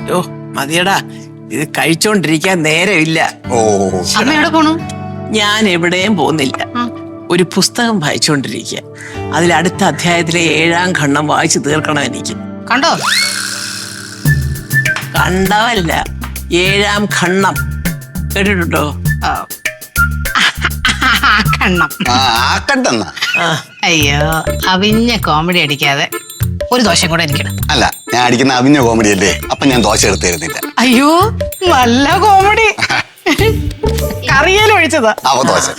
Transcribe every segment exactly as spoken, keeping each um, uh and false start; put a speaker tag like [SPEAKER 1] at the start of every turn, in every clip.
[SPEAKER 1] ഓ മതിയടാ, ഇത് കഴിച്ചോണ്ടിരിക്കാൻ നേരമില്ല.
[SPEAKER 2] ഓ
[SPEAKER 3] അമ്മ എവിടെ പോണു?
[SPEAKER 1] ഞാൻ എവിടെയും പോകുന്നില്ല. ഒരു പുസ്തകം വായിച്ചുകൊണ്ടിരിക്കുക. അതിൽ അടുത്ത അധ്യായത്തിലെ ഏഴാം ഖണ്ഡം വായിച്ചു തീർക്കണം എനിക്ക്.
[SPEAKER 3] കണ്ടോ?
[SPEAKER 1] കണ്ടവല്ല, ഏഴാം ഖണ്ഡം കേട്ടിട്ടുണ്ടോ?
[SPEAKER 3] കണ്ണം.
[SPEAKER 2] ആക്കണ്ടെന്ന
[SPEAKER 3] അയ്യോ, അവിഞ്ഞ കോമഡി അടിക്കാതെ ഒരു ദോശം കൂടെ എനിക്കിടും.
[SPEAKER 2] അല്ല, ഞാൻ അടിക്കുന്ന അവിഞ്ഞ കോമഡി അല്ലേ, അപ്പൊ ഞാൻ ദോശ എടുത്ത് തരുന്നില്ല.
[SPEAKER 3] അയ്യോ, നല്ല കോമഡി. കറിയാലും ഒഴിച്ചതാ.
[SPEAKER 2] അവ ദോശ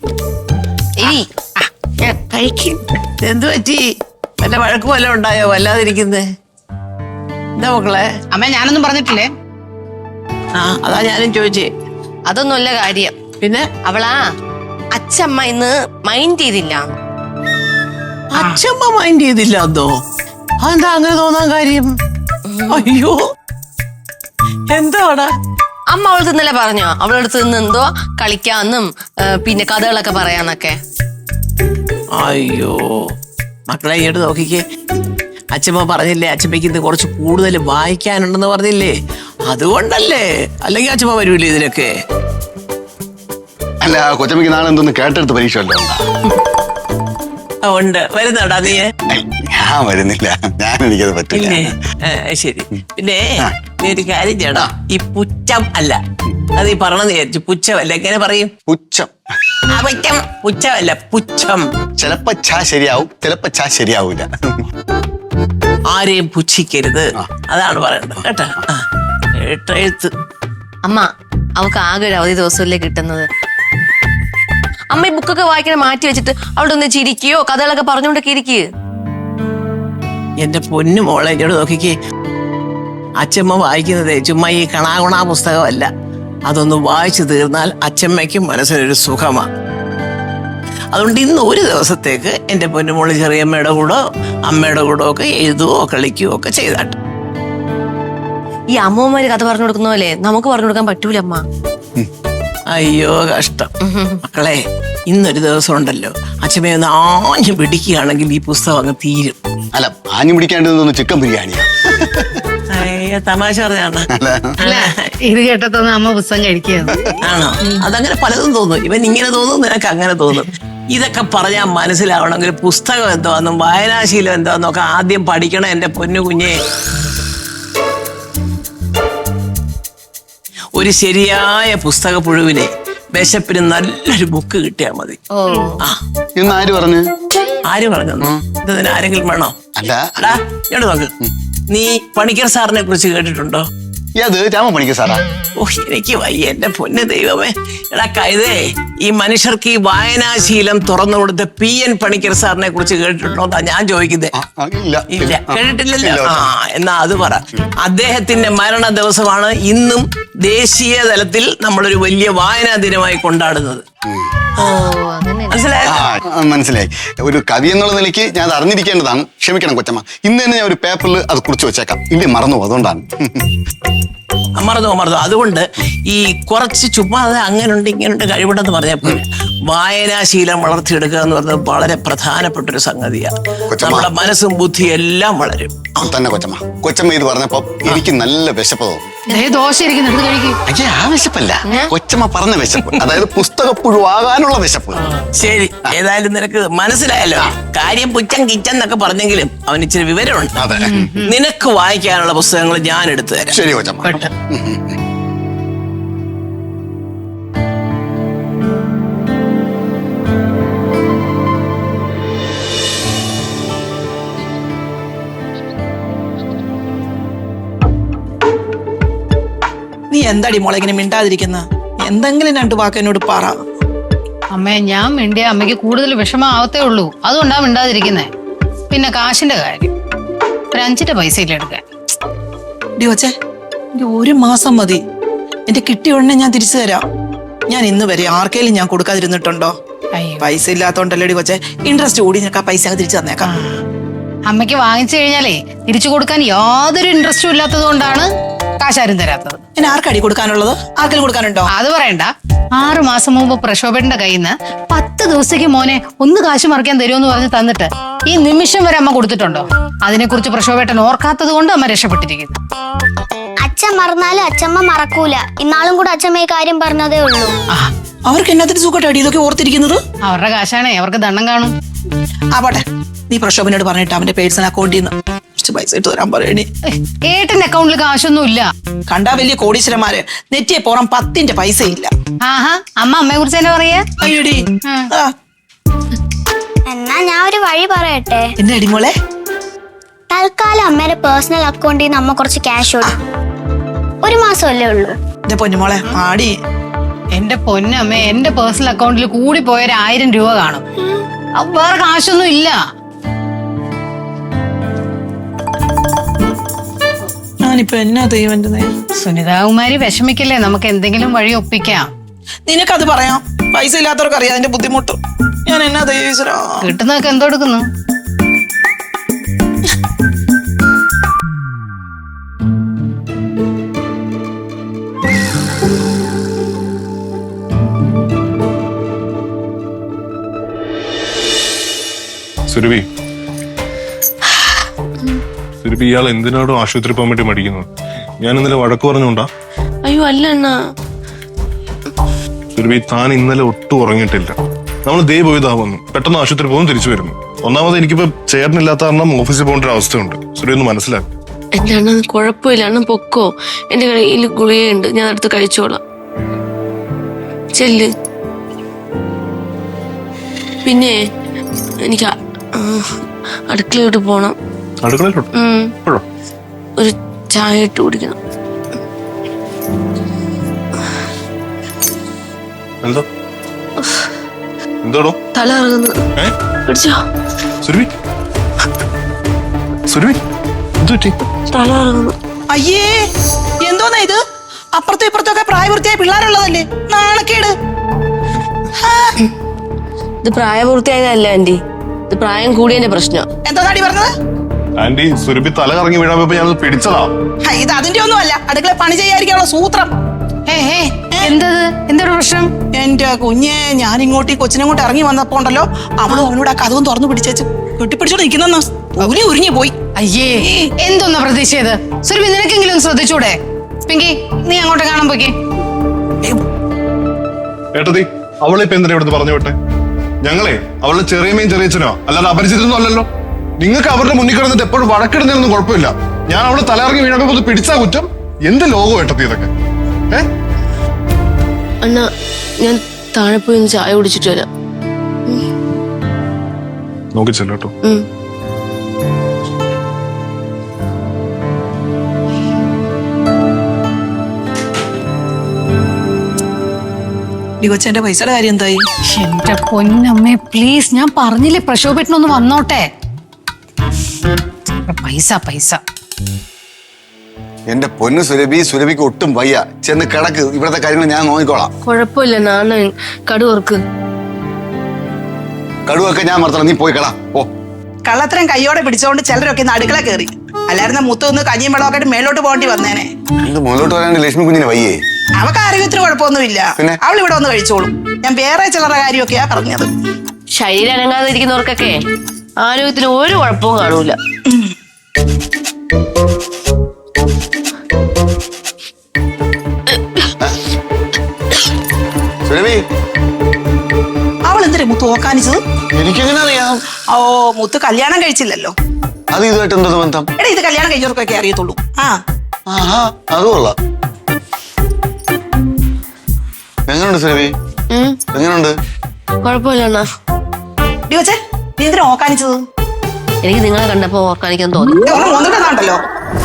[SPEAKER 1] കഴിക്കും. എന്തു പറ്റി? വല്ല വഴക്ക് വല്ല ഉണ്ടായോ? വല്ലാതിരിക്കുന്നേ എന്താ മക്കളെ?
[SPEAKER 3] അമ്മ ഞാനൊന്നും പറഞ്ഞിട്ടില്ലേ?
[SPEAKER 1] ആ അതാ ഞാനും ചോദിച്ചേ.
[SPEAKER 4] അതൊന്നുമല്ല കാര്യം.
[SPEAKER 1] പിന്നെ
[SPEAKER 4] അവളാ അച്ഛമ്മ ഇന്ന് മൈൻഡ് ചെയ്തില്ല.
[SPEAKER 1] അച്ഛമ്മ മൈൻഡ് ചെയ്തില്ല അതോ? അതെന്താ അങ്ങനെ തോന്നാൻ കാര്യം? അയ്യോ എന്താടാ?
[SPEAKER 4] അമ്മ അവൾക്ക് ഇന്നലെ പറഞ്ഞോ അവളടുത്ത് നിന്ന് എന്തോ കളിക്കാന്നും പിന്നെ കഥകളൊക്കെ പറയാന്നൊക്കെ.
[SPEAKER 1] അയ്യോ മക്കളെ ഇങ്ങോട്ട് നോക്കിക്കേ. അച്ഛമ്മ പറഞ്ഞില്ലേ അച്ഛമ്മയ്ക്ക് ഇന്ന് കുറച്ച് കൂടുതൽ വായിക്കാനുണ്ടെന്ന് പറഞ്ഞില്ലേ? അതുകൊണ്ടല്ലേ, അല്ലെങ്കിൽ അച്ഛമ്മ വരൂല്ലേ ഇതിനൊക്കെ?
[SPEAKER 2] അല്ല, കൊച്ചമ്മക്ക് നാളെ എന്തോന്ന് കേട്ടെടുത്ത് പരീക്ഷ വല്ലോ?
[SPEAKER 1] ഉണ്ട്. വരുന്നോടാ നീ?
[SPEAKER 2] ഞാൻ വരുന്നില്ല, ഞാൻ എനിക്കത് പറ്റില്ല.
[SPEAKER 1] ശരി. പിന്നെ നീ ഒരു കാര്യം ചെയ്യടാ, ഈ പുച്ഛം അല്ല, അത് ഈ പറഞ്ഞെന്ന് വിചാരിച്ചു, പുച്ഛമല്ല. എങ്ങനെ പറയും?
[SPEAKER 2] പുച്ഛം.
[SPEAKER 1] പുച്ഛം പുച്ഛമല്ല, പുച്ഛം.
[SPEAKER 2] ചിലപ്പോ ഛ ശരിയാവും, ചിലപ്പോ ഛ ശരിയാവൂല.
[SPEAKER 1] ആരെയും പുച്ഛിക്കരുത്, അതാണ് പറയേണ്ടത് കേട്ടാ. എഴുത്ത്
[SPEAKER 4] അമ്മ അവൾക്ക് ആകെ ഒരു അവധി ദിവസമല്ലേ കിട്ടുന്നത്. അമ്മ ഈ ബുക്കൊക്കെ വായിക്കണ മാറ്റി വെച്ചിട്ട് അവിടെ ഒന്ന് ചിരിക്കുകയോ കഥകളൊക്കെ പറഞ്ഞുകൊണ്ടൊക്കെ ഇരിക്കുക.
[SPEAKER 1] എന്റെ പൊന്നു മോളെ ഇങ്ങോട്ട് നോക്കിക്കേ. അച്ഛമ്മ വായിക്കുന്നതേ ചുമ്മാ ഈ കണാകുണാ പുസ്തകമല്ല. അതൊന്ന് വായിച്ചു തീർന്നാൽ അച്ഛമ്മയ്ക്കും മനസ്സിനൊരു സുഖമാണ്. അതുകൊണ്ട് ഇന്ന് ഒരു ദിവസത്തേക്ക് എന്റെ പൊന്നുമോള് ചെറിയമ്മയുടെ കൂടോ അമ്മയുടെ കൂടോ ഒക്കെ എഴുതുകയോ കളിക്കുകയോ ഒക്കെ ചെയ്താട്ടെ.
[SPEAKER 4] ഈ അമ്മൂമ്മമാര് കഥ പറഞ്ഞു കൊടുക്കുന്ന പോലെ നമുക്ക് പറഞ്ഞു കൊടുക്കാൻ പറ്റൂല അമ്മ.
[SPEAKER 1] അയ്യോ കഷ്ടം. മക്കളെ ഇന്നൊരു ദിവസം ഉണ്ടല്ലോ, അച്ഛമ്മയൊന്ന് ആഞ്ഞു പിടിക്കുകയാണെങ്കിൽ ഈ പുസ്തകം അങ്ങ് തീരും.
[SPEAKER 2] അല്ല, ആഞ്ഞു പിടിക്കേണ്ടത് ചിക്കൻ ബിരിയാണിയാ.
[SPEAKER 1] അയ്യോ തമാശ പറഞ്ഞാണ്.
[SPEAKER 3] ഇത് കേട്ടതൊന്നും അമ്മ പുസ്തകം കഴിക്കുകയാണ്.
[SPEAKER 1] ആണോ? അതങ്ങനെ പലതും തോന്നും. ഇവൻ ഇങ്ങനെ തോന്നും, നിനക്ക് അങ്ങനെ തോന്നും. ഇതൊക്കെ പറഞ്ഞാൽ മനസ്സിലാവണമെങ്കിൽ പുസ്തകം എന്താന്നും വായനാശീലം എന്താന്നും ഒക്കെ ആദ്യം പഠിക്കണം എന്റെ പൊന്നു കുഞ്ഞെ. ഒരു ശരിയായ പുസ്തക പുഴുവിനെ വിശപ്പിന് നല്ലൊരു ബുക്ക് കിട്ടിയാൽ മതി. ആ
[SPEAKER 2] ഇന്ന് ആര് പറഞ്ഞു?
[SPEAKER 1] ആര് പറഞ്ഞു? ഇതിന് ആരെങ്കിലും വേണോ?
[SPEAKER 2] അല്ല,
[SPEAKER 1] എടാ ഇങ്ങോട്ട് നോക്ക്. നീ പണിക്കർ സാറിനെ കുറിച്ച് കേട്ടിട്ടുണ്ടോ?
[SPEAKER 2] അത് രാമ പണിക്കർ സാറാ?
[SPEAKER 1] ഓ എനിക്ക് വയ്യ എന്റെ പൊന്നു ദൈവമേ. എടാ കൈതേ, ഈ മനുഷ്യർക്ക് ഈ വായനാശീലം തുറന്നു കൊടുത്ത പി എൻ പണിക്കർ സാറിനെ കുറിച്ച് കേട്ടിട്ടുണ്ടോ എന്നാ ഞാൻ ചോദിക്കുന്നത്. ഇല്ല, കേട്ടിട്ടില്ലല്ലോ. ആ എന്നാ അത് പറ. അദ്ദേഹത്തിന്റെ മരണ ദിവസമാണ് ഇന്നും ദേശീയ തലത്തിൽ നമ്മളൊരു വലിയ വായനാ ദിനമായി കൊണ്ടാടുന്നത്. മനസ്സിലായോ?
[SPEAKER 2] മനസ്സിലായി. ഒരു കവി എന്നുള്ള നിലയ്ക്ക് ഞാൻ അത് അറിഞ്ഞിരിക്കേണ്ടതാണ്. ക്ഷമിക്കണം കൊച്ചമ്മ. ഇന്ന് തന്നെ ഞാൻ ഒരു പേപ്പറിൽ അത് കുറിച്ച് വെച്ചേക്കാം. ഇല്ല മറന്നു, അതുകൊണ്ടാണ്.
[SPEAKER 1] മറന്നോ മറന്നോ അതുകൊണ്ട് ഈ കുറച്ച് ചുമ്മാതെ അങ്ങനുണ്ട് ഇങ്ങനുണ്ട് കഴിവുണ്ടെന്ന് പറഞ്ഞപ്പോൾ വായനാശീലം വളർത്തിയെടുക്കുക എന്ന് പറഞ്ഞത് വളരെ പ്രധാനപ്പെട്ടൊരു സംഗതിയാണ്. നമ്മുടെ മനസ്സും ബുദ്ധിയും എല്ലാം വളരും.
[SPEAKER 2] തന്നെ കൊച്ചമ്മ. കൊച്ചമ്മ ഇത് പറഞ്ഞപ്പോ എനിക്ക് നല്ല വിശപ്പ് തോന്നും.
[SPEAKER 3] ദോശ ഇരിക്കുന്നുണ്ട്, കഴിക്കും.
[SPEAKER 2] അയ്യേ, ആ വിശപ്പല്ല, കൊച്ചമ്മ പറഞ്ഞ വിശപ്പ്, അതായത് പുസ്തകപ്പുഴുവാകാനുള്ള വിശപ്പ്.
[SPEAKER 1] ശരി, ഏതായാലും നിനക്ക് മനസ്സിലായല്ലോ. കാര്യം പുച്ചം കിച്ചൻ എന്നൊക്കെ പറഞ്ഞെങ്കിലും അവന് ഇച്ചിരി വിവരമുണ്ട്. നിനക്ക് വായിക്കാനുള്ള പുസ്തകങ്ങൾ ഞാൻ എടുത്തു തരാം.
[SPEAKER 2] ശരി കൊച്ചമ്മ.
[SPEAKER 5] നീ എന്താടി മോളെ ഇങ്ങനെ മിണ്ടാതിരിക്കുന്ന? എന്തെങ്കിലും രണ്ടു വാക്ക് എന്നോട് പറ.
[SPEAKER 3] അമ്മേ, ഞാൻ മിണ്ടിയ അമ്മയ്ക്ക് കൂടുതൽ വിഷമാവത്തേ ഉള്ളൂ. അതുകൊണ്ടാ മിണ്ടാതിരിക്കുന്നേ. പിന്നെ കാശിന്റെ കാര്യം, ഒരു അഞ്ചിന്റെ പൈസ ഇല്ല എടുക്കാൻ.
[SPEAKER 5] ഡിയോച്ചേ, ഒരു മാസം മതി. എന്റെ കിട്ടിയ ഉടനെ ഞാൻ തിരിച്ചു തരാം. ഞാൻ ഇന്ന് വരെ ആർക്കെങ്കിലും ഞാൻ കൊടുക്കാതിരുന്നിട്ടുണ്ടോ? പൈസ ഇല്ലാത്തോണ്ടല്ലേ ഡിയോച്ചേ. ഇൻട്രസ്റ്റ് കൂടി നിനക്ക് ആ പൈസ തിരിച്ചു തന്നേക്കാം.
[SPEAKER 3] അമ്മയ്ക്ക് വാങ്ങിച്ചു കഴിഞ്ഞാലേ തിരിച്ചു കൊടുക്കാൻ യാതൊരു ഇൻട്രസ്റ്റും ഇല്ലാത്തത് കൊണ്ടാണ് കാശാരും തരാത്തത്.
[SPEAKER 5] പിന്നെ ആർക്കടി കൊടുക്കാനുള്ളത്? ആർക്കെങ്കിലും കൊടുക്കാനുണ്ടോ?
[SPEAKER 3] അത് പറയണ്ട. ആറു മാസം മുമ്പ് പ്രക്ഷോഭന്റെ കയ്യിൽ നിന്ന് പത്ത് ദിവസത്തേക്ക് മോനെ ഒന്ന് കാശ് മറിക്കാൻ തരുമെന്ന് പറഞ്ഞ് തന്നിട്ട് ഈ നിമിഷം വരെ അമ്മ കൊടുത്തിട്ടുണ്ടോ? അതിനെക്കുറിച്ച് പ്രക്ഷോഭേട്ടൻ ഓർക്കാത്തത് കൊണ്ട് അമ്മ രക്ഷപ്പെട്ടിരിക്കുന്നു.
[SPEAKER 6] അച്ഛൻ മറന്നാലും അച്ഛമ്മ മറക്കൂല. ഇന്നാളും കൂടെ അച്ഛമ്മ ഈ കാര്യം പറഞ്ഞതേ ഉള്ളൂ.
[SPEAKER 5] ആ അവർക്ക് എന്നത്തിന് സുഖമായിട്ടാണ് ഇതൊക്കെ ഓർത്തിരിക്കുന്നത്.
[SPEAKER 3] അവരുടെ കാശാണേ, അവർക്ക് ദണ്ണം കാണും.
[SPEAKER 5] ആ പോട്ടെ, നീ പ്രക്ഷോഭനോട് പറഞ്ഞിട്ട് അവന്റെ പേഴ്സണൽ അക്കൗണ്ടിൽ നിന്ന് കുറച്ച് പൈസ ഇട്ട് തരാൻ പറയണേ.
[SPEAKER 3] ഏട്ടന്റെ അക്കൗണ്ടിൽ കാശൊന്നും ഇല്ല.
[SPEAKER 5] കണ്ടാ വലിയ കോടീശ്വരന്മാര് നെറ്റിയെ പുറം പത്തിന്റെ പൈസ ഇല്ല.
[SPEAKER 3] ആഹാ, അമ്മ അമ്മയെ കുറിച്ച് തന്നെ പറയാ.
[SPEAKER 5] അയ്യോടി ആ
[SPEAKER 6] എന്നാ ഞാൻ ഒരു വഴി പറയട്ടെ.
[SPEAKER 5] എന്നെ അടിമോളെ,
[SPEAKER 6] തൽക്കാലം അമ്മയുടെ പേഴ്സണൽ അക്കൗണ്ടിൽ നിന്ന് അമ്മ കുറച്ച് ക്യാഷ് കൊടുക്കും. ഒരു മാസമല്ലേ ഉള്ളൂ.
[SPEAKER 5] എന്റെ പൊന്നുമോളെ ആടി.
[SPEAKER 3] എന്റെ പൊന്നമ്മേ, എന്റെ പേഴ്സണൽ അക്കൗണ്ടിൽ കൂടി പോയ ഒരു ആയിരം രൂപ കാണും. അപ്പൊ വേറെ കാശൊന്നും ഇല്ല.
[SPEAKER 5] ഞാനിപ്പോ എന്നാ ദൈവന്റെ നേരം.
[SPEAKER 3] സുനിതാകുമാരി വിഷമിക്കല്ലേ, നമുക്ക് എന്തെങ്കിലും വഴി ഒപ്പിക്കാം.
[SPEAKER 5] നിനക്കത് പറയാം, പൈസ ഇല്ലാത്തവർക്ക് അറിയാം അതിന്റെ ബുദ്ധിമുട്ട്. ഞാൻ എന്നാ ദൈവീശ്വരാ.
[SPEAKER 3] കിട്ടുന്നതൊക്കെ എന്തോ എടുക്കുന്നു.
[SPEAKER 7] സുരഭി സുരഭി ഇയാൾ എന്തിനാടോ ആശുപത്രി പോകാൻ വേണ്ടി മടിക്കുന്നത്? ഞാൻ ഇന്നലെ വഴക്ക് പറഞ്ഞോണ്ടാ?
[SPEAKER 4] അയ്യോ അല്ല അണ്ണാ.
[SPEAKER 7] സുരഭി, താൻ ഇന്നലെ ഒട്ടും ഉറങ്ങിയിട്ടില്ല. നമ്മൾ ദേ പോയതാ വന്നു, പെട്ടെന്ന് ആശുപത്രി പോകും തിരിച്ചു വരുന്നു. ഒന്നാമത് എനിക്കിപ്പോ ചേട്ടനില്ലാത്ത കാരണം ഓഫീസിൽ പോകേണ്ട ഒരു അവസ്ഥയുണ്ട്. സുരഭി ഒന്ന് മനസ്സിലാക്കി.
[SPEAKER 4] എന്റെ അണ്ണൻ കുഴപ്പമില്ല, അണ്ണൻ പൊക്കോ. എന്റെ കയ്യിൽ ഗുളികയുണ്ട്, ഞാൻ അടുത്ത് കഴിച്ചോളാം. ചെല്ല്. പിന്നെ എനിക്ക് അ- ആ, അടുക്കളയോട്ട് പോണം.
[SPEAKER 7] അടുക്കളയിലോട്ട്
[SPEAKER 4] ഉം.
[SPEAKER 7] എപ്പോഴോ?
[SPEAKER 4] ഒരു ചായ ഇട്ട് കുടിക്കണം.
[SPEAKER 7] എന്താ എന്താടോ
[SPEAKER 4] തല ഇറങ്ങുന്നത്.
[SPEAKER 7] ഏ
[SPEAKER 4] പിടിച്ചോ.
[SPEAKER 7] സുരഭി സുരഭി എന്ത് പറ്റി?
[SPEAKER 4] തല ഇറങ്ങുന്നു.
[SPEAKER 5] അയ്യേ എന്തോന്നാ ഇത്? അപ്പുറത്തും ഇപ്പുറത്തും ഒക്കെ പ്രായപൂർത്തിയായ പിള്ളേരുള്ളതല്ലേ, നാണക്കേട്.
[SPEAKER 4] ഇത് പ്രായപൂർത്തിയായതല്ല ആന്റി, ഇത് പ്രായം കൂടിയതിന്റെ പ്രശ്നം.
[SPEAKER 5] എന്താടി പറഞ്ഞത്?
[SPEAKER 7] ആന്റി, സുരഭി തല കറങ്ങി വീഴാൻ പോയപ്പോ ഞാൻ പിടിച്ചതാ.
[SPEAKER 5] ഹ, ഇത് അതിന്റെ ഒന്നും അല്ല, അടുക്കള പണി ചെയ്യാതിരിക്കാനുള്ള സൂത്രം.
[SPEAKER 3] ഏ ഏ എന്തത്? എന്തൊരു പ്രശ്നം?
[SPEAKER 5] എന്റെ കുഞ്ഞെ, ഞാൻ ഇങ്ങോട്ട് ഈ കൊച്ചിനങ്ങോട്ട് ഇറങ്ങി വന്നപ്പോ ഉണ്ടല്ലോ, അവളും അവനോട് ആ കഥവും തുറന്നു പിടിച്ചേച്ചു കെട്ടിപ്പിടിച്ചോണ്ട് നിൽക്കുന്ന ഉരി ഉരിഞ്ഞു പോയി.
[SPEAKER 3] അയ്യേ, എന്തോന്നാ പ്രതീക്ഷയത്? സുരഭി, നിനക്കെങ്കിലും ഒന്ന് ശ്രദ്ധിച്ചൂടെ? പിങ്കി, നീ അങ്ങോട്ട് കാണാൻ പോയിക്കേ.
[SPEAKER 7] ഏട്ടത്തി, അവളെ ഇപ്പൊ എന്തിനാ ഇവിടുന്ന് പറഞ്ഞു വിട്ടെ? ഞങ്ങളെ അവളുടെ ചെറിയമേയും ചെറിയച്ഛനോ അല്ലാതെ അപരിചിതനൊന്നും അല്ലല്ലോ. നിങ്ങൾക്ക് അവരുടെ മുന്നിൽ കിടന്നിട്ട് എപ്പോഴും വഴക്കിടുന്നതിനൊന്നും കുഴപ്പമില്ല. ഞാൻ അവളെ തലയിറങ്ങി വീണപ്പോ പിടിച്ചാ കുറ്റം. എന്ത് ലോകം ഏട്ടത്തി ഇതൊക്കെ? ഏ
[SPEAKER 4] അണ്ണാ, ഞാൻ താഴെ പോയി ഒന്ന് ചായ കുടിച്ചിട്ട് വരാം.
[SPEAKER 7] നോക്കിച്ചല്ലോ കേട്ടോ.
[SPEAKER 4] ഉം.
[SPEAKER 5] കൊച്ചെന്റെ പൈസയുടെ കാര്യം എന്തായി?
[SPEAKER 3] എന്റെ പൊന്നമ്മേ, പ്ലീസ്, ഞാൻ പറഞ്ഞില്ലേ പ്രക്ഷോഭത്തിനൊന്ന് വന്നോട്ടെ. പൈസ പൈസ
[SPEAKER 2] എന്റെ പൊന്ന് സുരഭി, സുരഭിക്ക് ഒട്ടും വയ്യ. ചെന്ന് കിടക്ക്, ഇവിടത്തെ കാര്യങ്ങൾ ഞാൻ നോക്കിക്കോളാം.
[SPEAKER 4] കുഴപ്പമില്ല നാണ കടുവർക്ക്
[SPEAKER 2] കടുവൊക്കെ ഞാൻ മറത്തണം, നീ പോയി കളാ. ഓ
[SPEAKER 5] കള്ളത്തരം കയ്യോടെ പിടിച്ചോണ്ട് ചിലരൊക്കെ ഇന്ന് അടുക്കള കയറി. അല്ലായിരുന്ന മുത്ത് ഒന്ന് കഞ്ഞിയും വെള്ളമൊക്കെ ആയിട്ട് മേലോട്ട് പോകേണ്ടി വന്നേനെ.
[SPEAKER 2] ഇത് മുന്നോട്ട് വരാണ്ട് ലക്ഷ്മി കുഞ്ഞിന് വയ്യേ.
[SPEAKER 5] അവക്ക് ആരോഗ്യത്തിന് കുഴപ്പമൊന്നുമില്ല,
[SPEAKER 2] പിന്നെ?
[SPEAKER 5] അവൾ ഇവിടെ വന്ന് കഴിച്ചോളും. ഞാൻ വേറെ ചിലരുടെ കാര്യമൊക്കെയാ പറഞ്ഞത്.
[SPEAKER 4] ശരീരം അനങ്ങാതെ ഇരിക്കുന്നവർക്കൊക്കെ ആരോഗ്യത്തിന് ഒരു കുഴപ്പവും കാണൂല.
[SPEAKER 2] സുരഭി,
[SPEAKER 5] അവൾ എന്തിനാ മുത്ത് ഓക്കാനിച്ചത്?
[SPEAKER 2] എനിക്കെങ്ങനെ അറിയാം?
[SPEAKER 5] ഓ, മുത്ത് കല്യാണം കഴിച്ചില്ലല്ലോ.
[SPEAKER 2] അത് ഇതുമായിട്ട് എന്തോ ബന്ധം?
[SPEAKER 5] എടാ, ഇത് കല്യാണം കഴിച്ചവർക്കൊക്കെ അറിയത്തുള്ളൂ. ആ
[SPEAKER 2] ആഹാ, അത് കൊള്ളാം. എങ്ങനുണ്ട് സുരഭി?
[SPEAKER 4] ഉം.
[SPEAKER 2] എങ്ങനുണ്ട്?
[SPEAKER 4] കുഴപ്പമില്ല അണ്ണാ.
[SPEAKER 5] ഡി കൊച്ചേ, നീ എന്തിനാ ഓക്കാനിച്ചത്?
[SPEAKER 4] എനിക്ക് നിങ്ങളെ കണ്ടപ്പോ ഓർക്കാനിക്കാൻ തോന്നി.
[SPEAKER 5] വന്നിട്ടുണ്ടല്ലോ.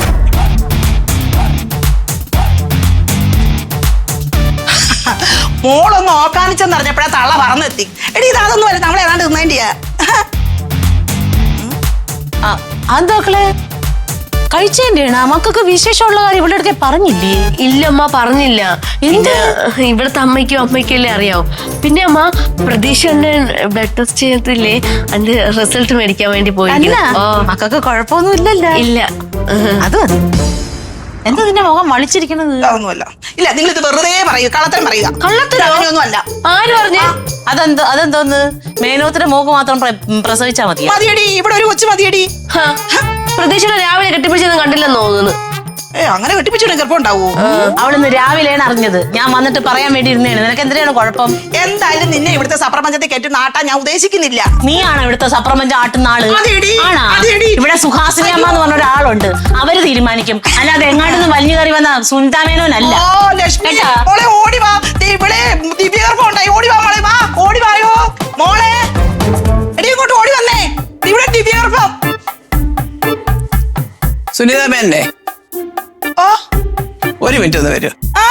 [SPEAKER 5] മോളൊന്ന് ഓക്കാനിച്ചെന്ന് അറിഞ്ഞപ്പോഴാ തള്ള പറന്നെത്തി. എടി, ഇത് അതൊന്നും അല്ല, നമ്മളെ ഏതാണ്ട് തിന്നേണ്ടിയാ.
[SPEAKER 8] അതൊക്കെ കഴിച്ചേന്റെ മക്കൾക്ക് വിശേഷമുള്ള കാര്യം ഇവിടെ അടുക്കെ പറഞ്ഞില്ലേ?
[SPEAKER 4] ഇല്ല അമ്മ, പറഞ്ഞില്ല. പിന്നെ ഇവിടുത്തെ അമ്മയ്ക്കും അമ്മയ്ക്കും അല്ലേ അറിയാവും. പിന്നെ അമ്മ, പ്രതീക്ഷ ബ്ലഡ് ടെസ്റ്റ് ചെയ്തില്ലേ, അതിന്റെ റിസൾട്ട് മേടിക്കാൻ വേണ്ടി പോയി.
[SPEAKER 8] മക്കൾക്ക് കുഴപ്പമൊന്നും ഇല്ലല്ലോ.
[SPEAKER 4] ഇല്ല.
[SPEAKER 8] അത് മതി. എന്താ നിന്റെ മുഖം വളിച്ചിരിക്കണത്?
[SPEAKER 5] അതൊന്നുമല്ല. ഇല്ല, നിങ്ങൾ ഇത് വെറുതെ പറയൂ, കള്ളത്തരം പറയുക.
[SPEAKER 8] കള്ളത്തരൊന്നും
[SPEAKER 5] അല്ല.
[SPEAKER 4] ആര് പറഞ്ഞു?
[SPEAKER 8] അതെന്തോ അതെന്തോന്ന് മേലോത്തിന്റെ മൂക്ക് മാത്രം പ്രസവിച്ചാ മതി.
[SPEAKER 5] മതിയടി, ഇവിടെ ഒരു കൊച്ചു മതിയടി.
[SPEAKER 4] പ്രതീക്ഷയുടെ രാവിലെ കെട്ടിപ്പിടിച്ചൊന്നും കണ്ടില്ലെന്ന് തോന്നുന്നു.
[SPEAKER 5] ഏ അങ്ങനെ കെട്ടിപ്പിച്ചിട്ട് ഗർഭം ഉണ്ടാവൂ?
[SPEAKER 8] അവളിന്ന് രാവിലെയാണ് അറിഞ്ഞത്. ഞാൻ വന്നിട്ട് പറയാൻ വേണ്ടി ഇരുന്നേണ്. നിനക്ക് എന്തിനാണ് കുഴപ്പം?
[SPEAKER 5] എന്തായാലും നിന്നെ ഇവിടുത്തെ സപ്രപഞ്ചത്തെ കെട്ടി നാട്ടാൻ ഞാൻ ഉദ്ദേശിക്കുന്നില്ല.
[SPEAKER 8] നീയാണോ ഇവിടുത്തെ സപ്രപഞ്ചം ആട്ടുന്ന ആള്?
[SPEAKER 5] അതെടി,
[SPEAKER 8] ആണാ?
[SPEAKER 5] അതെടി.
[SPEAKER 8] ഇവിടെ സുഹാസിനി അമ്മ എന്ന് പറഞ്ഞ ഒരാളുണ്ട്. അവര് തീരുമാനിക്കും. അല്ലാതെ എങ്ങാണ്ടെന്ന് വലിഞ്ഞു കയറി വന്ന സുനിതാമേനോനല്ല.
[SPEAKER 5] ഓ ലക്ഷ്മി
[SPEAKER 8] കേട്ടാ?
[SPEAKER 5] മോളെ ഓടി വാ. ദേ ഇവിടെ ദിവ്യഗർഭം ഉണ്ടായി. ഓടി വാ മോളെ, വാ ഓടി വായോ മോളെ. എടി ഇങ്ങോട്ട് ഓടി വന്നേ. ദേ ഇവിടെ ദിവ്യഗർഭം.
[SPEAKER 1] സുനിത മേനെ
[SPEAKER 5] ഓ
[SPEAKER 1] ഒരു മിനിറ്റ് ഒന്ന് വരൂ.
[SPEAKER 5] ആ.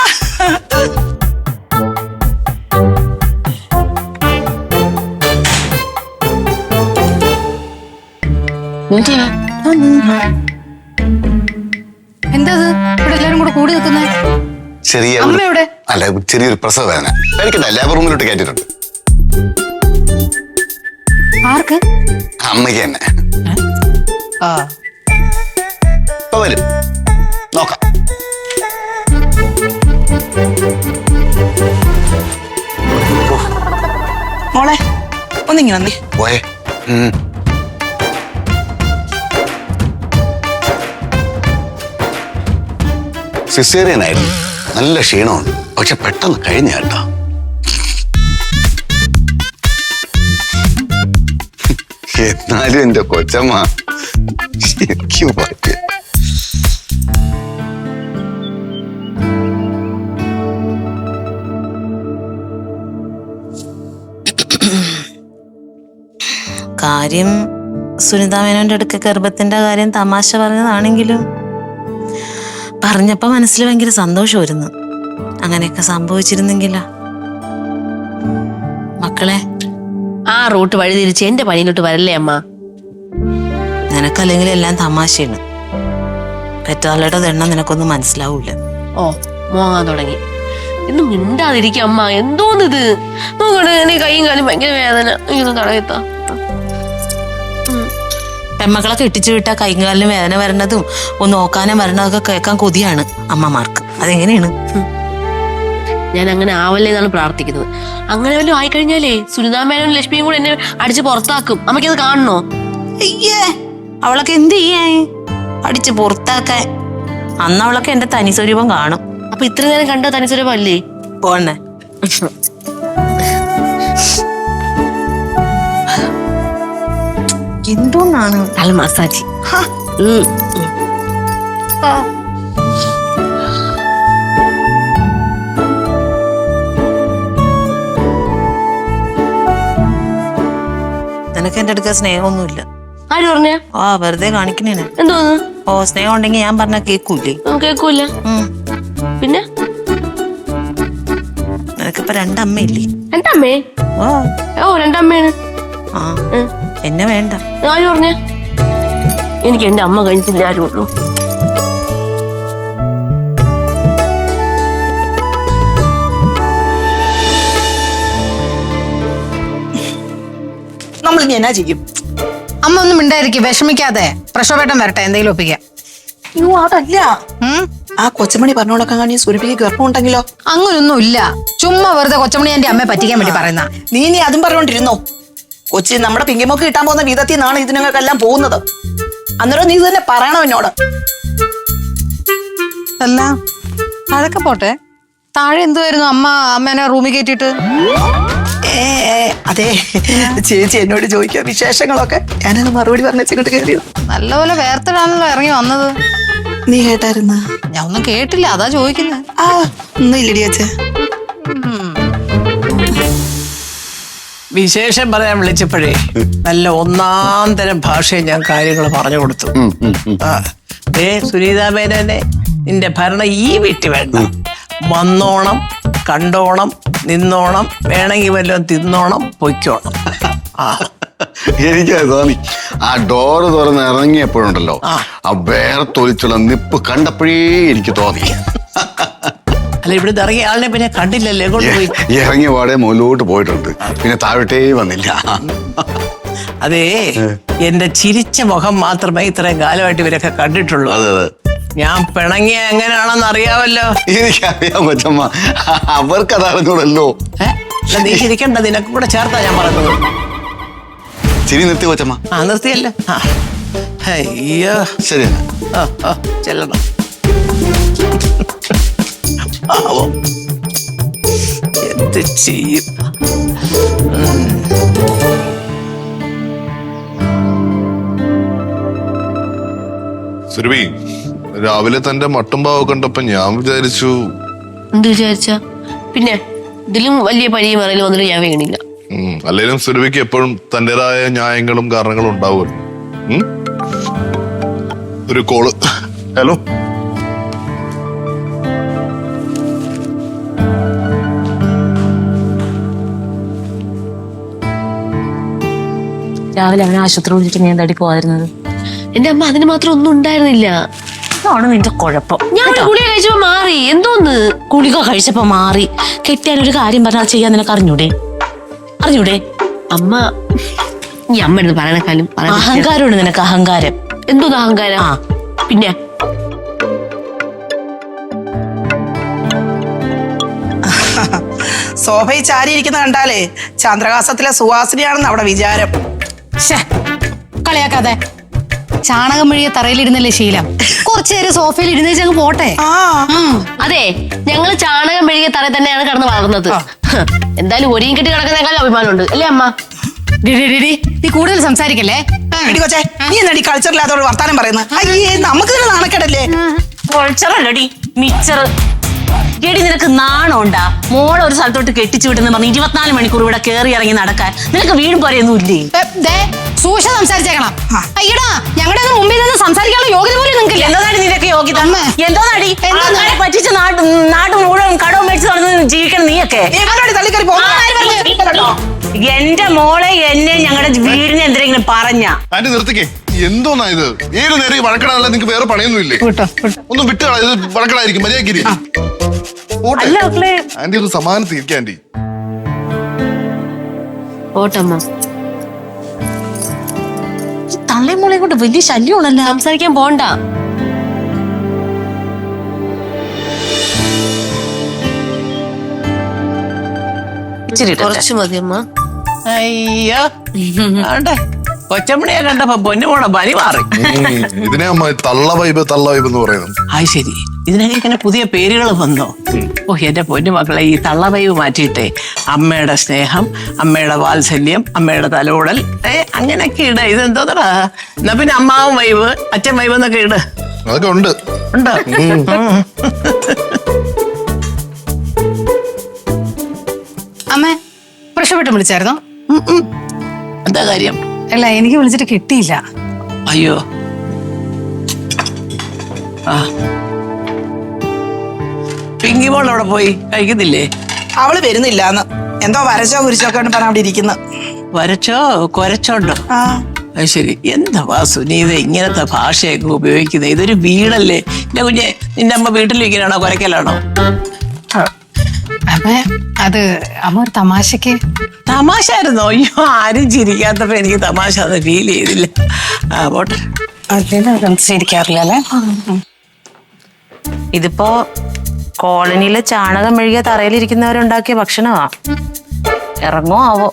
[SPEAKER 3] എന്താ ഇവിടെ എല്ലാരും കൂടെ കൂടി നിൽക്കുന്നേ?
[SPEAKER 2] ചെറിയ
[SPEAKER 3] അമ്മ
[SPEAKER 2] ഒരു-
[SPEAKER 3] എവിടെ?
[SPEAKER 2] അല്ല ചെറിയൊരു പ്രസവ വേദന കഴിക്കണ്ട, ലേബർ റൂമിലോട്ട് കയറ്റിട്ടുണ്ട്.
[SPEAKER 3] ആർക്ക്?
[SPEAKER 2] അമ്മയ്ക്ക് തന്നെ.
[SPEAKER 3] ആ
[SPEAKER 2] ഇപ്പൊ വരും, നോക്കാം.
[SPEAKER 5] മോളെ ഒന്നിങ്ങനെ വന്നേ.
[SPEAKER 2] പോയേ. ഉം. സിസേറിയനായിരുന്നു, നല്ല ക്ഷീണമുണ്ട്, പക്ഷെ പെട്ടെന്ന് കഴിഞ്ഞ കേട്ടോ. എന്നാലും എന്റെ കൊച്ചമ്മ ശരിക്കും പറ്റിയ.
[SPEAKER 8] കാര്യം സുനിതാ മേനോന്റെ അടുക്ക ഗർഭത്തിന്റെ കാര്യം തമാശ പറഞ്ഞതാണെങ്കിലും പറഞ്ഞപ്പോ മനസ്സിൽ ഭയങ്കര സന്തോഷമായിരുന്നു. അങ്ങനെയൊക്കെ സംഭവിച്ചിരുന്നെങ്കിലാ. മക്കളെ,
[SPEAKER 4] ആ റൂട്ട് വഴി തിരിച്ച് എന്റെ പണിയിലോട്ട് വരല്ലേ അമ്മ?
[SPEAKER 8] നിനക്കല്ലെങ്കിൽ എല്ലാം തമാശയാണ്. പെറ്റാളുടെ എണ്ണം നിനക്കൊന്നും മനസ്സിലാവൂല.
[SPEAKER 4] ഓ മോങ്ങാൻ തുടങ്ങി. ഇന്ന് മിണ്ടാതിരിക്കും അമ്മ. എന്തോന്നിത് നോക്കണേ, എനിക്ക് കൈയും കാലും ഭയങ്കര വേദന. ഇങ്ങനെ തടയത്താ.
[SPEAKER 8] പെമ്മക്കളെ കെട്ടിച്ചു വിട്ടാൽ കൈകാലിന് വേദന വരണതും ഒന്ന് നോക്കാനും വരണതൊക്കെ കേൾക്കാൻ കൊതിയാണ് അമ്മമാർക്ക്. അതെങ്ങനെയാണ്?
[SPEAKER 4] ഞാൻ അങ്ങനെ ആവല്ലേ എന്നാണ് പ്രാർത്ഥിക്കുന്നത്. അങ്ങനെ വല്ലതും ആയിക്കഴിഞ്ഞാലേ സുനിതാ മേനോനും ലക്ഷ്മിയും കൂടെ എന്നെ അടിച്ച് പുറത്താക്കും. അമ്മയ്ക്കത് കാണണോ?
[SPEAKER 8] അയ്യേ, അവളൊക്കെ എന്ത് ചെയ്യാ? അടിച്ച് പുറത്താക്കാൻ. അന്ന് അവളൊക്കെ എന്റെ തനി സ്വരൂപം കാണും.
[SPEAKER 4] അപ്പൊ ഇത്ര നേരം കണ്ട തനിച്ചൊരു അല്ലേ
[SPEAKER 8] പോണേ. എന്തോന്നാണ്
[SPEAKER 4] നല്ല മസാജ്.
[SPEAKER 8] നിനക്ക് എന്റെ അടുക്ക സ്നേഹമൊന്നുമില്ല.
[SPEAKER 4] ആര് പറഞ്ഞ?
[SPEAKER 8] ആ വെറുതെ കാണിക്കണേ.
[SPEAKER 4] എന്തോന്ന്?
[SPEAKER 8] ഓ സ്നേഹം ഉണ്ടെങ്കിൽ ഞാൻ പറഞ്ഞ കേക്കൂലേ?
[SPEAKER 4] കേക്കൂല. പിന്നെ
[SPEAKER 8] നിനക്കിപ്പോ രണ്ടമ്മയില്ലേ?
[SPEAKER 4] രണ്ടമ്മേ?
[SPEAKER 8] ഓ
[SPEAKER 4] ഓ രണ്ടമ്മയാണ്.
[SPEAKER 8] ആ എന്നെ വേണ്ട.
[SPEAKER 4] ആര് പറഞ്ഞ? എനിക്ക് എന്റെ അമ്മ കഴിഞ്ഞിട്ടില്ല ആരും ഉള്ളൂ.
[SPEAKER 5] നമ്മൾ ഇനി എന്നാ ചെയ്യും?
[SPEAKER 3] അമ്മ ഒന്നും മിണ്ടായിരിക്കും, വിഷമിക്കാതെ. പ്രസവപേട്ടം വരട്ടെ, എന്തെങ്കിലും ഒപ്പിക്കാം.
[SPEAKER 5] അയ്യോ അതല്ല,
[SPEAKER 3] ഉം?
[SPEAKER 5] ആ കൊച്ചമണി പറഞ്ഞോളൊക്കെ കാണി സുരഭിക്ക് ഗർഭം ഉണ്ടെങ്കിലോ?
[SPEAKER 3] അങ്ങനൊന്നും ഇല്ല. ചുമ്മാ വെറുതെ കൊച്ചമണി എന്റെ അമ്മയെ പറ്റിക്കാൻ വേണ്ടി പറയുന്ന.
[SPEAKER 5] നീ ഇനി അതും പറഞ്ഞോണ്ടിരുന്നോ? കൊച്ചി നമ്മുടെ പിങ്കിമൊക്കെ കിട്ടാൻ പോകുന്ന വിധത്തിൽ നിന്നാണ് ഇതിനൊക്കെല്ലാം പോകുന്നത്. അന്നേരം നീ തന്നെ പറയണോ എന്നോട്?
[SPEAKER 3] അല്ല അതൊക്കെ പോട്ടെ, താഴെ എന്തുവായിരുന്നു അമ്മ അമ്മേനെ റൂമിൽ കയറ്റിട്ട്?
[SPEAKER 5] ഏ അതെ, ചേച്ചി എന്നോട് ചോദിക്കുക വിശേഷങ്ങളൊക്കെ. ഞാനത് മറുപടി പറഞ്ഞ ഇങ്ങോട്ട് കയറിയത്.
[SPEAKER 3] നല്ലപോലെ വേർത്തിടാണല്ലോ ഇറങ്ങി വന്നത്.
[SPEAKER 5] നീ കേട്ടായിരുന്ന?
[SPEAKER 3] ഞാൻ ഒന്നും കേട്ടില്ല, അതാ ചോദിക്കുന്നത്.
[SPEAKER 5] ആ ഒന്നും ഇല്ലടി അച്ഛ.
[SPEAKER 1] വിശേഷം പറയാൻ വിളിച്ചപ്പോഴേ നല്ല ഒന്നാം തരം ഭാഷയിൽ ഞാൻ കാര്യങ്ങൾ പറഞ്ഞു കൊടുത്തു. ആ ഏ സുനീതാ മേനോനെ, നിന്റെ ഭരണം ഈ വീട്ടിൽ വേണ്ട. വന്നോണം, കണ്ടോണം, നിന്നോണം, വേണമെങ്കിൽ വല്ലതും തിന്നോണം, പൊയ്ക്കോണം. ആ
[SPEAKER 2] എനിക്കത് തോന്നി. ആ ഡോറ് തുറന്ന് ഇറങ്ങിയപ്പോഴുണ്ടല്ലോ, ആ വേർത്തൊലിച്ചുള്ള നിപ്പ് കണ്ടപ്പോഴേ എനിക്ക് തോന്നി.
[SPEAKER 1] അല്ല ഇവിടുന്ന് ഇറങ്ങിയ ആളിനെ പിന്നെ കണ്ടില്ലല്ലേ? കൊണ്ടുപോയി
[SPEAKER 2] ഇറങ്ങിയ പാടെ മുകളിലോട്ട് പോയിട്ടുണ്ട്, പിന്നെ താഴോട്ടേ വന്നില്ല.
[SPEAKER 1] അതേ, എന്റെ ചിരിച്ച മുഖം മാത്രമേ ഇത്രയും കാലമായിട്ട് ഇവരൊക്കെ കണ്ടിട്ടുള്ളൂ.
[SPEAKER 2] അതെ അതെ,
[SPEAKER 1] ഞാൻ പിണങ്ങിയ എങ്ങനെയാണെന്ന് അറിയാമല്ലോ.
[SPEAKER 2] എനിക്കറിയാം കൊച്ചമ്മ, അവർക്കത് അറിഞ്ഞൂടല്ലോ.
[SPEAKER 1] ഏഹ് നീ ചിരിക്കണ്ട, നിനക്ക് കൂടെ ചേർത്താ ഞാൻ പറഞ്ഞത്.
[SPEAKER 2] ചിരി നിർത്തി കൊച്ചമ്മ.
[SPEAKER 1] ആ നിർത്തിയല്ലോ. ആ അയ്യോ
[SPEAKER 2] ശരി.
[SPEAKER 1] ആ ആ ചെല്ലണം. പാവം എന്ത് ചെയ്യും?
[SPEAKER 7] സുരഭി, രാവിലെ തന്റെ മട്ടുംപാവ് കണ്ടപ്പോ ഞാൻ വിചാരിച്ചു.
[SPEAKER 4] എന്ത് വിചാരിച്ച? പിന്നെ ഇതിലും വലിയ പനിയും പറയലും വന്നിട്ട് ഞാൻ വീണില്ല.
[SPEAKER 7] ഉം, അല്ലെങ്കിലും സുരഭിക്ക് എപ്പോഴും തന്റേതായ ന്യായങ്ങളും കാരണങ്ങളും ഉണ്ടാവുമല്ലോ. ഉം? ഒരു കോള്. ഹലോ.
[SPEAKER 8] രാവിലെ അവനെ ആശുപത്രി വിളിച്ചിട്ട് നീ എന്താടി പോകാതിരുന്നത്?
[SPEAKER 4] എന്റെ അമ്മ അതിന് മാത്രം ഒന്നും ഉണ്ടായിരുന്നില്ല.
[SPEAKER 8] അതാണ് നിന്റെ കുഴപ്പം.
[SPEAKER 4] ഞാൻ ഒരു ഗുളിക കഴിച്ചപ്പോ മാറി. എന്തോന്ന്
[SPEAKER 8] ഗുളിക കഴിച്ചപ്പോ മാറി? കെട്ടിയാൻ ഒരു കാര്യം പറഞ്ഞാൽ ചെയ്യാൻ നിനക്ക് അറിഞ്ഞൂടെ? അറിഞ്ഞൂടെ?
[SPEAKER 4] അമ്മ ഈ അമ്മ എടുത്ത് പറയണക്കാലും
[SPEAKER 8] അഹങ്കാരമുണ്ട് നിനക്ക്, അഹങ്കാരം.
[SPEAKER 4] എന്തോന്ന് അഹങ്കാരം?
[SPEAKER 8] ആ
[SPEAKER 4] പിന്നെ
[SPEAKER 5] സോഫയിൽ ചാരിയിരിക്കുന്ന കണ്ടാലേ ചന്ദ്രഹാസത്തിലെ സുവാസിനിയാണെന്ന് അവിടെ വിചാരം.
[SPEAKER 3] ശ്ശേ, കളിയാക്കാതെ. ചാണകം മെഴുകിയ തറയിലിരുന്നല്ലേ ശീലം. കുറച്ചു നേരം സോഫയിൽ ഇരുന്നേച്ചങ്ങ് പോട്ടെ.
[SPEAKER 5] ആ
[SPEAKER 3] ഉം.
[SPEAKER 4] അതെ, ഞങ്ങള് ചാണകം മെഴുകിയ തറയിൽ തന്നെയാണ് കിടന്ന് വളർന്നത്. എന്തായാലും ഒരിയും കെട്ടി കിടക്കുന്നതിനേക്കാളും അഭിമാനമുണ്ട് അല്ലേ അമ്മ?
[SPEAKER 3] ഡി, ഡി, ഡി, ഡി, നീ കൂടുതൽ സംസാരിക്കല്ലേ. ആ.
[SPEAKER 5] എടി കൊച്ചേ, നീ എന്നടി കൾച്ചറില്ലാത്തോട് വർത്താനം പറയുന്നത്? അയ്യേ, നമുക്ക് തന്നെ നാണക്കേടല്ലേ?
[SPEAKER 8] കൊഴച്ചറല്ലടി മിച്ചർ. എടി നിനക്ക് നാണം ഉണ്ടാ? മോളെ ഒരു സ്ഥലത്തോട്ട് കെട്ടിച്ചു വിടുന്ന പറഞ്ഞ് ഇരുപത്തിനാല് മണിക്കൂർ ഇവിടെ കയറി ഇറങ്ങി നടക്കാൻ നിനക്ക് വീടും പോരെയൊന്നും ഇല്ലേ?
[SPEAKER 3] ഏ, ദേ, സൂക്ഷിച്ച് സംസാരിച്ചേക്കണം. അയ്യടാ, ഞങ്ങളുടെ മുമ്പിൽ നിന്ന് സംസാരിക്കാനുള്ള യോഗ്യത പോലും നിങ്ങൾക്കില്ല.
[SPEAKER 8] എന്തോന്നാടി നിനക്ക് യോഗ്യത?
[SPEAKER 3] അമ്മേ.
[SPEAKER 8] എന്തോന്നാടി
[SPEAKER 3] എന്തോന്ന്?
[SPEAKER 8] ആൾക്കാരെ പറ്റിച്ച് നാട് നാട് മുഴുവൻ കടവും മേടിച്ച് നടന്ന് ജീവിക്കണം നീയൊക്കെ?
[SPEAKER 5] നീ എങ്ങോട്ടാടി തള്ളിക്കറി പോകുന്നത്?
[SPEAKER 8] എന്റെ മോളെ എന്നെ ഞങ്ങളുടെ വീടിനെ എന്തെങ്കിലും പറഞ്ഞ
[SPEAKER 7] ആന്റി നിർത്തിക്കേ. എന്തോന്നാ ഇത്? ഏത് നേരം ഈ വഴക്കടാനല്ല നിങ്ങൾക്ക് വേറെ പണിയൊന്നും ഇല്ലേ?
[SPEAKER 3] വിട്ടോ, വിട്ടോ.
[SPEAKER 7] ഒന്നും വിട്ട് കളയാ, ഇത് വഴക്കടായിരിക്കും. മര്യാദക്കിരി.
[SPEAKER 8] അല്ല മക്കളെ,
[SPEAKER 7] ആന്റി ഒന്ന് സമാധാനത്തിൽ ഇരിക്കുക ആന്റി.
[SPEAKER 4] ഓട്ടമ്മ
[SPEAKER 8] തള്ളയും മോളെ കൊണ്ട് വലിയ ശല്യമാണല്ലോ.
[SPEAKER 4] സംസാരിക്കാൻ പോണ്ട.
[SPEAKER 8] ഇച്ചിരി ഇട്ടട്ടെ.
[SPEAKER 4] കുറച്ച് മതി അമ്മ.
[SPEAKER 1] അയ്യോ ആണ്ടെ, കൊച്ചമ്മണിയെ കണ്ടപ്പോ പൊന്നുമോളെ പനി മാറി.
[SPEAKER 7] ഉം, ഇതിനെ അമ്മ തള്ള വൈബ് തള്ള വൈബ് എന്ന് പറയുന്നത്.
[SPEAKER 1] അത് ശരി, ഇതിനൊക്കെ ഇങ്ങനെ പുതിയ പേരുകൾ വന്നോ? ഓ എന്റെ പൊന്നുമക്കളെ, ഈ തള്ളവൈവ് മാറ്റിയിട്ടേ അമ്മയുടെ സ്നേഹം, അമ്മയുടെ വാത്സല്യം, അമ്മയുടെ തലോടൽ, ഏ അങ്ങനെയൊക്കെ ഇട. ഇതെന്തോന്നടാ? എന്നാ പിന്നെ അമ്മാവും വൈവ്, അച്ഛൻ വൈവ് എന്നൊക്കെ ഇട്.
[SPEAKER 7] അതൊക്കെ ഉണ്ട്.
[SPEAKER 1] ഉണ്ടോ?
[SPEAKER 3] അമ്മേ, പ്രശ്നപ്പെട്ട് വിളിച്ചായിരുന്നോ?
[SPEAKER 1] എന്താ കാര്യം?
[SPEAKER 3] അല്ല, എനിക്ക് വിളിച്ചിട്ട് കിട്ടിയില്ല.
[SPEAKER 1] അയ്യോ, ആ പിങ്കി മോൾ അവിടെ പോയി കഴിക്കുന്നില്ലേ?
[SPEAKER 5] അവള് വരുന്നില്ലാന്ന് എന്തോ വരച്ചോ കുരിച്ചോ ഒക്കെ പറഞ്ഞ അവിടെ ഇരിക്കുന്നു.
[SPEAKER 1] വരച്ചോ കൊരച്ചോണ്ടോ?
[SPEAKER 5] ആ
[SPEAKER 1] അത് ശരി. എന്താ വാസു നീ ഇത് ഇങ്ങനത്തെ ഭാഷയൊക്കെ ഉപയോഗിക്കുന്നത്? ഇതൊരു വീടല്ലേ എന്റെ കുഞ്ഞെ. നിന്റെ അമ്മ വീട്ടിലിരിക്കലാണോ കൊരക്കലാണോ?
[SPEAKER 3] അമ്മേ, അത് അമ്മ ഒരു തമാശക്ക്.
[SPEAKER 1] തമാശ ആയിരുന്നോ? അയ്യോ, ആരും ചിരിക്കാത്തപ്പോ എനിക്ക് തമാശ അത് ഫീൽ ചെയ്തില്ല. ആ പോട്ടെ.
[SPEAKER 3] ശരിക്കാറില്ല അല്ലേ?
[SPEAKER 8] ഇതിപ്പോ കോളനിയിലെ ചാണകം മെഴുകിയ തറയിലിരിക്കുന്നവരുണ്ടാക്കിയ ഭക്ഷണമാ. ഇറങ്ങോ ആവോ?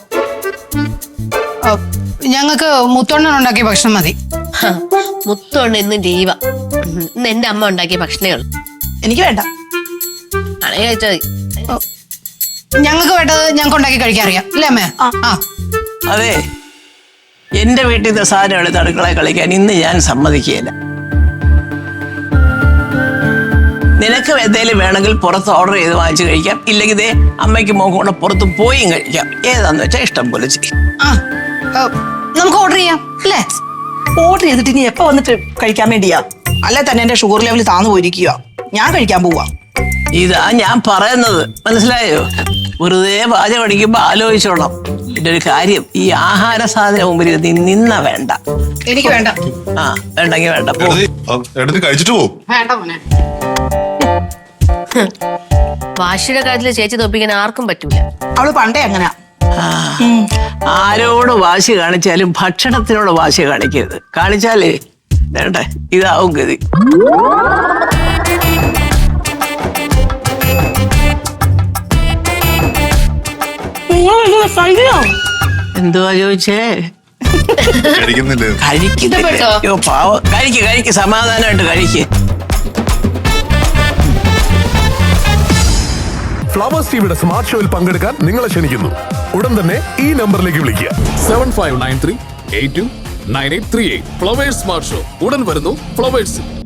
[SPEAKER 3] ഞങ്ങൾക്ക് മുത്തോണ്ണൻ ഉണ്ടാക്കിയ ഭക്ഷണം മതി.
[SPEAKER 4] മുത്തോണ്ട് ഇന്ന് ലീവ. ഇന്ന് എന്റെ അമ്മ ഉണ്ടാക്കിയ ഭക്ഷണേ ഉള്ളു.
[SPEAKER 5] എനിക്ക് വേണ്ട.
[SPEAKER 4] ആണെങ്കിൽ കഴിച്ചാൽ മതി.
[SPEAKER 3] ഞങ്ങൾക്ക് വേണ്ടത് ഞങ്ങൾക്ക് ഉണ്ടാക്കി കഴിക്കാൻ അറിയാം അല്ലേ അമ്മേ? ആ
[SPEAKER 1] അതെ, എന്റെ വീട്ടിൽ നിന്ന് സാധനം എടുത്ത് അടുക്കളയിൽ കളിക്കാൻ ഇന്ന് ഞാൻ സമ്മതിക്കുകയില്ല. നിനക്ക് എന്തേലും വേണമെങ്കിൽ പുറത്ത് ഓർഡർ ചെയ്ത് വാങ്ങിച്ച് കഴിക്കാം. ഇല്ലെങ്കിൽ ഇതേ അമ്മയ്ക്ക് മോക്കും കൂടെ പുറത്ത് പോയും കഴിക്കാം. ഏതാന്ന് വെച്ചാൽ ഇഷ്ടം പോലെ ചെയ്യും.
[SPEAKER 3] ആ, ആ, നമുക്ക് ഓർഡർ ചെയ്യാം അല്ലേ?
[SPEAKER 5] ഓർഡർ ചെയ്തിട്ട് ഇനി എപ്പോ വന്നിട്ട് കഴിക്കാൻ വേണ്ടിയാ? അല്ലെ തന്നെ എന്റെ ഷുഗർ ലെവൽ താന്നു പോയിരിക്കുക. ഞാൻ കഴിക്കാൻ പോവാ.
[SPEAKER 1] ഇതാ ഞാൻ പറയുന്നത്, മനസ്സിലായോ? വെറുതെ പാചകം അടിക്കുമ്പോ ആലോചിച്ചോളാം. ഇതിന്റെ ഒരു കാര്യം, ഈ ആഹാര സാധനം മുമ്പിൽ നീ നിന്ന വേണ്ട.
[SPEAKER 3] എനിക്ക് വേണ്ട.
[SPEAKER 1] ആ വേണ്ടെങ്കിൽ വേണ്ട, പോ.
[SPEAKER 7] എടുത്ത് കഴിച്ചിട്ട് പോകും.
[SPEAKER 3] വേണ്ട മോനെ.
[SPEAKER 4] വാശിയുടെ കാര്യത്തിൽ ചേച്ചി തോപ്പിക്കാൻ ആർക്കും പറ്റൂല.
[SPEAKER 5] അവള് പണ്ടേ അങ്ങനാ.
[SPEAKER 1] ആ, ആരോട് വാശി കാണിച്ചാലും ഭക്ഷണത്തിനോട് വാശി കാണിക്കരുത്. കാണിച്ചാലേ വേണ്ട ഇതാവും ഗതി. എന്തുവാ ചോദിച്ചേ?
[SPEAKER 7] കഴിക്കുന്നില്ലേ?
[SPEAKER 1] കഴിക്കുന്നില്ല. അയ്യോ പാവം, കഴിക്ക് കഴിക്ക്, സമാധാനമായിട്ട് കഴിക്ക്.
[SPEAKER 9] ഫ്ലവേഴ്സ് ടിവിയുടെ സ്മാർട്ട് ഷോയിൽ പങ്കെടുക്കാൻ നിങ്ങളെ ക്ഷണിക്കുന്നു. ഉടൻ തന്നെ ഈ നമ്പറിലേക്ക് വിളിക്കുക.
[SPEAKER 10] Seven five nine three eight two nine eight three eight. Flowers smart show ഉടൻ വരുന്നു ഫ്ലവേഴ്സ്.